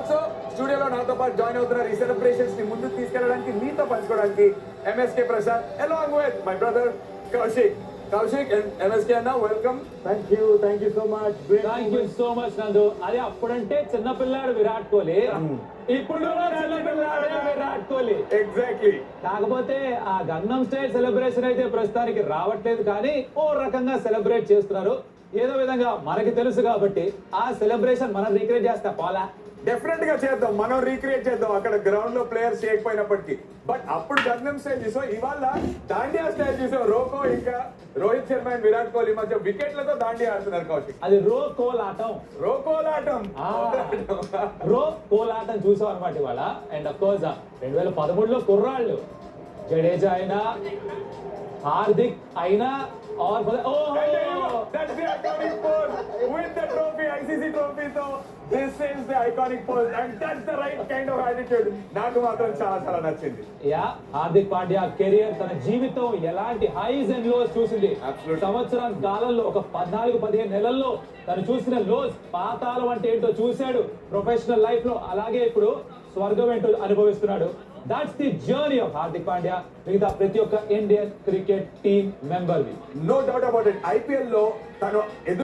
Also స్టూడియోలో నాతో పాటు జాయిన్ అవుతున్నారు ఈ సెలబ్రేషన్స్ ని ముందుకు తీసుకెళ్ళడానికి మీతో పంచుకోవడానికి MSK Prasad along with my brother Kaushik. Kaushik and MSK అన్న welcome. Thank you so much. Thank you so much Nandu. అదే అప్పుడంటే చిన్నపిల్లాడు విరాట్ కోహ్లీ, ఇప్పుడు కూడా చిన్నపిల్లాడే విరాట్ కోహ్లీ. ఎగ్జాక్ట్లీ. కాకపోతే ఆ గంగం స్టైల్ సెలబ్రేషన్ అయితే ప్రస్తుతానికి రావట్లేదు, కానీ ఓ రకంగా సెలబ్రేట్ చేస్తున్నారు. ఏదో విధంగా మనకి తెలుసు కాబట్టి ఆ సెలబ్రేషన్ మనం రీక్రియేట్ చేస్తా పోలా. డెఫినెట్ గా చేద్దాం, మనం రీక్రియేట్ చేద్దాం అక్కడ గ్రౌండ్ లో ప్లేయర్స్ చేయకపోయినప్పటికీ. బట్ అప్పుడు గంగం స్టైల్ చూసాం, ఇవాళ దాండియా స్టైల్ చూసాం. రోకో ఇంకా రోహిత్ శర్మ అండ్ విరాట్ కోహ్లీ మధ్య వికెట్లతో దాండియా ఆడుతున్నారు కౌశిక్. అది రో కోలాటం. రోకోలాటం. రో కోలాటం చూసాం అనమాట ఇవాళ. అండ్ అఫ్ కోర్స్ 2013లో కుర్రాళ్ళు జడేజా అయినా హార్దిక్ అయినా ఆర్ That's the iconic pose with the trophy, ICC trophy. So this is the iconic pose and that's the right kind of attitude. నాకు మాత్రం చాలా నచ్చింది. యా, హార్దిక్ పాండ్యా కెరియర్, తన జీవితం ఎలాంటి హైస్ అండ్ లోస్ చూసింది. Absolutely. సంవత్సరం కాలంలో ఒక 14-15 నెలల్లో తను చూసిన లోస్, పాతాళం అంటే ఏంటో చూశాడు ప్రొఫెషనల్ లైఫ్ లో. అలాగే ఇప్పుడు స్వర్గం ఏంటో అనుభవిస్తున్నాడు. That's the journey of Hardik Pandya మిగతా ప్రతి ఒక్క ఇండియన్ క్రికెట్ టీమ్ మెంబర్ వి. No doubt about it. IPL లో తను